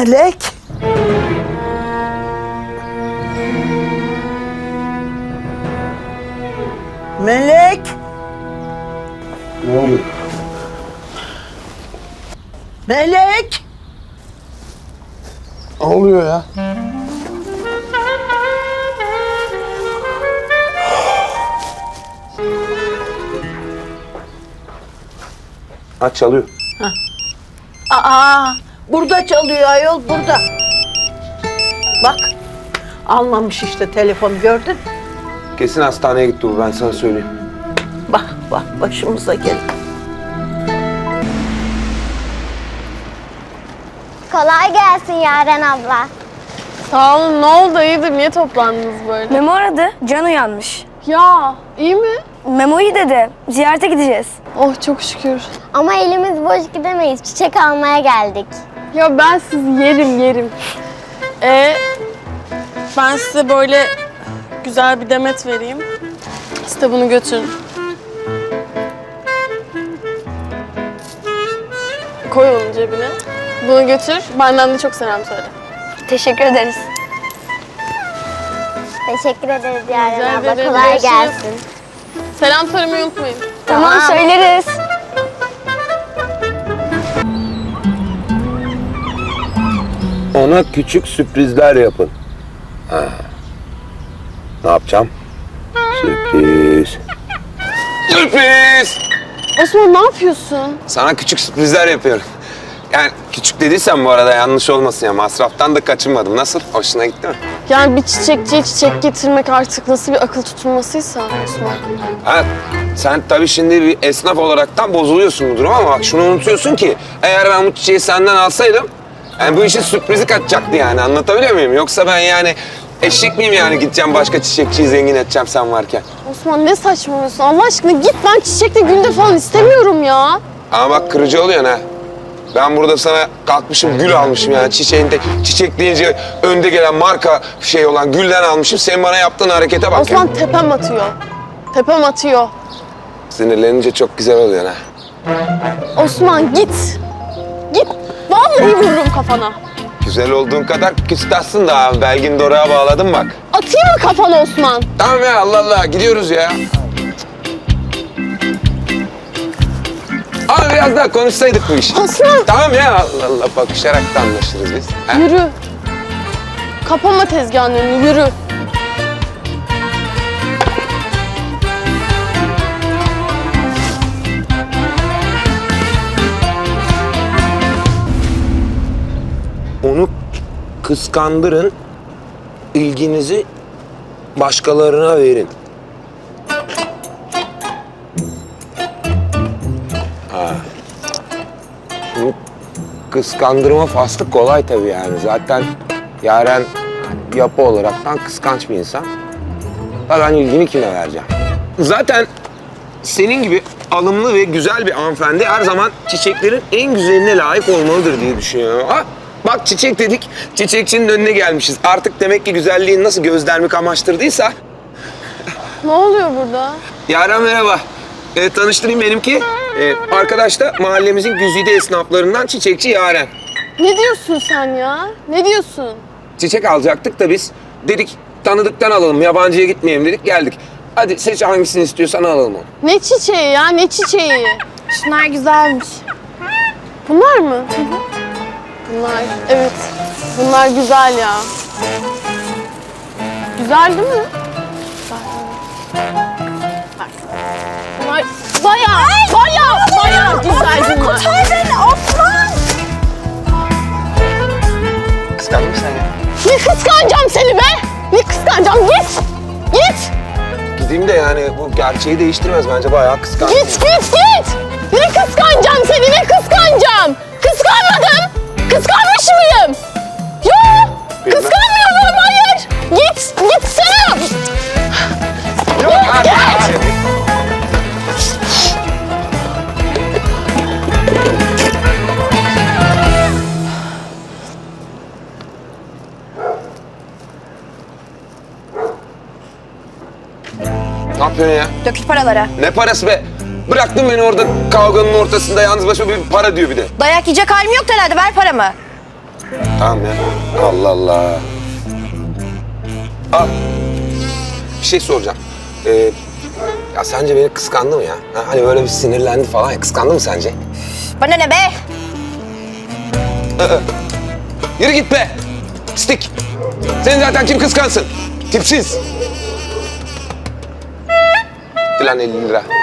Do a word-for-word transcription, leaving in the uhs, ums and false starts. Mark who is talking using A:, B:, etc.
A: Melek. Melek.
B: Ne oluyor?
A: Melek.
B: Ne oluyor ya? Aç çalıyor.
A: Aa, burada çalıyor ayol, burada. Bak, almamış işte telefonu, gördün.
B: Kesin hastaneye gitti bu, ben sana söyleyeyim.
A: Bak, bak başımıza geldi.
C: Kolay gelsin Yaren abla.
D: Sağ olun. Ne oldu? Hayırdır? Niye toplandınız böyle?
E: Memo aradı. Can uyanmış.
D: Ya iyi mi?
E: Memo'yu dedi. Ziyarete gideceğiz.
D: Oh çok şükür.
C: Ama elimiz boş gidemeyiz. Çiçek almaya geldik.
D: Ya ben sizi yerim yerim. Ee, ben size böyle güzel bir demet vereyim. Siz de bunu götürün. Koy onun cebine. Bunu götür. Benden de çok selam söyle.
E: Teşekkür ederiz.
C: Teşekkür ederiz Yaren
D: Rica
C: abla.
D: ederim.
C: Kolay
D: Görüşürüz.
C: gelsin.
D: Selam söylemeyi unutmayın.
E: Tamam,
C: Tamam.
E: söyleriz.
B: Ona küçük sürprizler yapın. Ha. Ne yapacağım? Sürpriz. Sürpriz!
D: Osman ne yapıyorsun?
B: Sana küçük sürprizler yapıyorum. Yani küçük dediysem bu arada yanlış olmasın ya. Masraftan da kaçınmadım. Nasıl? Hoşuna gitti mi?
D: Yani bir çiçekçiye çiçek getirmek artık nasıl bir akıl tutulmasıysa Osman.
B: Ha, sen tabii şimdi bir esnaf olaraktan bozuluyorsun bu duruma ama bak şunu unutuyorsun ki eğer ben bu çiçeği senden alsaydım yani bu işin sürprizi kaçacaktı yani, anlatabiliyor muyum? Yoksa ben yani eşek miyim yani gideceğim başka çiçekçiyi zengin edeceğim sen varken?
D: Osman ne saçmalıyorsun? Allah aşkına git, ben çiçekle gülde falan istemiyorum ya.
B: Ama bak kırıcı oluyorsun ha. Ben burada sana kalkmışım gül almışım yani çiçeğinde çiçek deyince önde gelen marka şey olan gülden almışım. Senin bana yaptığın harekete bak.
D: Osman
B: ya.
D: tepem atıyor. Tepem atıyor.
B: Sinirlenince çok güzel oluyorsun ha.
D: Osman git. Git. Vallahi vururum kafana.
B: Güzel olduğun kadar küstahsın da ha. Belgin Doruk'a bağladım bak.
D: Atayım mı kafana Osman?
B: Tamam ya Allah Allah gidiyoruz ya. Ama biraz daha konuşsaydık bu işi.
D: Osman.
B: Tamam ya Allah Allah bakışarak da anlaşırız biz. Ha?
D: Yürü. Kapama tezgahın önünü, yürü.
B: Onu kıskandırın, ilginizi başkalarına verin. Ha. Şimdi kıskandırma faslı kolay tabii yani. Zaten Yaren yapı olaraktan kıskanç bir insan. Ha ben ilgimi kime vereceğim? Zaten senin gibi alımlı ve güzel bir hanımefendi her zaman çiçeklerin en güzeline layık olmalıdır diye düşünüyorum. Ha? Bak çiçek dedik, çiçekçinin önüne gelmişiz. Artık demek ki güzelliğin nasıl gözlerimi kamaştırdıysa.
D: Ne oluyor burada?
B: Yaren merhaba. Ee, tanıştırayım benimki. Ee, arkadaş da mahallemizin güzide esnaflarından çiçekçi Yaren.
D: Ne diyorsun sen ya? Ne diyorsun?
B: Çiçek alacaktık da biz dedik tanıdıktan alalım, yabancıya gitmeyelim dedik geldik. Hadi seç hangisini istiyorsan alalım onu.
D: Ne çiçeği ya, ne çiçeği? Şunlar güzelmiş. Bunlar mı? Bunlar, evet. Bunlar güzel ya. Güzel değil mi? Bak. Bunlar bayağı, bayağı, bayağı güzel bunlar.
E: Kurtar beni Osman!
B: Kıskandın mı sen ya?
D: Ne kıskanacağım seni be? Ne kıskanacağım? Git! Git!
B: Gideyim de yani bu gerçeği değiştirmez bence bayağı kıskandım.
D: Git, git, git! Ne kıskanacağım seni, ne kıskanacağım? Kıskanmadım! Kıskanmış mıyım? Yok!
B: Bilmem.
D: Kıskanmıyorum, hayır! Git, gitsene!
B: Yok artık. Ne yapıyorsun ya?
E: Dökül paralara.
B: Ne parası be? Bıraktın beni orada kavganın ortasında yalnız başıma bir para diyor bir de.
E: Dayak yiyecek halim yok herhalde. Ver paramı.
B: Tamam ya. Allah Allah. Aa, bir şey soracağım. Ee, ya sence beni kıskandı mı ya? Ha, hani böyle bir sinirlendi falan ya. Kıskandı mı sence?
E: Bana ne be?
B: Yürü git be. Pislik. Seni zaten kim kıskansın? Tipsiz. Gitti lan elli lira.